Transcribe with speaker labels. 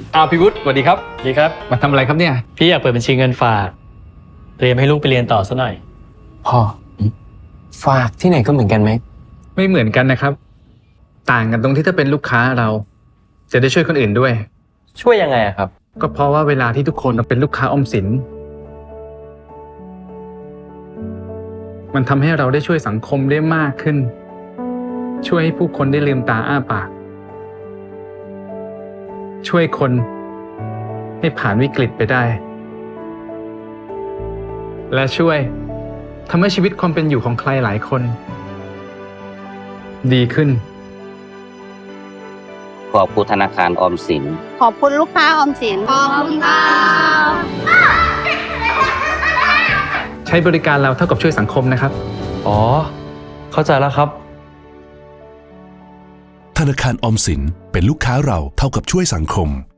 Speaker 1: พี่วุฒิสวัสดีครับ
Speaker 2: ดีครับ
Speaker 1: มาทำอะไรครับเนี่ย
Speaker 2: พี่อยากเปิดบัญชีเงินฝากเตรียมให้ลูกไปเรียนต่อซะหน่อย
Speaker 3: พ่อฝากที่ไหนก็เหมือนกันไหม
Speaker 1: ไม่เหมือนกันนะครับ ต่างกันตรงที่ถ้าเป็นลูกค้าเรา จะได้ช่วยคนอื่นด้วย
Speaker 3: ช่วยยังไงอะครับ
Speaker 1: ก็เพราะว่าเวลาที่ทุกคนเป็นลูกค้าออมสิน มันทำให้เราได้ช่วยสังคมได้มากขึ้น ช่วยให้ผู้คนได้ลืมตาอ้าปาก ช่วยคนให้ผ่านวิกฤตไปได้ และช่วยทำให้ชีวิตความเป็นอยู่ของใครหลายคน ดีขึ้น
Speaker 4: ขอบคุณธนาคารออมสิน
Speaker 5: ขอบคุณลูกค้าออมสิน ขอบคุณค่ะ
Speaker 1: ใช้บริการเราเท่ากับช่วยสังคมนะครับ
Speaker 3: อ๋อ เข้าใจแล้วครับ
Speaker 6: ธนาคารออมสินเป็นลูกค้าเราเท่ากับช่วยสังคม